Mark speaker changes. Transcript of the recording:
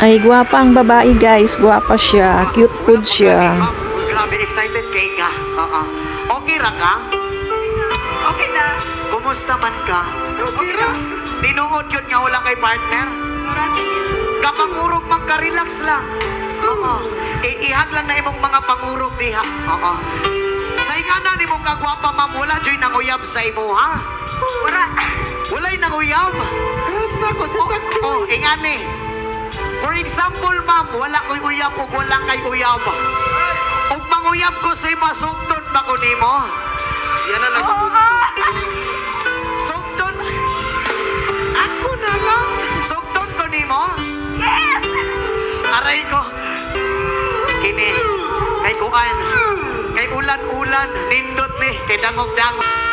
Speaker 1: Ay, gwapa ang babae guys. Gwapa siya. Cute food siya.
Speaker 2: Grabe, excited kay ka. Okay ra ka?
Speaker 3: Okay na.
Speaker 2: Kumusta man ka?
Speaker 3: Okay ra.
Speaker 2: Tinuod yun nga wala kay partner? Kapangurog man ka, relax lang. Ihag lang na imong mga pangurog diha. Sa ingana ni mong kagwapa ma'am, wala dyo'y nanguyab sa imo ha? Wala'y nanguyab.
Speaker 3: Karas na ako sa takbo.
Speaker 2: Ingani. For example ma'am, wala ko'y uyab o wala kay uyab. O manguyab ko sa ima, sugton ba ko nimo? Yan na lang. Sugton.
Speaker 3: Ako na lang.
Speaker 2: Sugton ko nimo?
Speaker 3: Yes!
Speaker 2: Aray ko. Kini. Kay kuan. Kay ulan-ulan. Nindot ni. Kay dangog-dangog.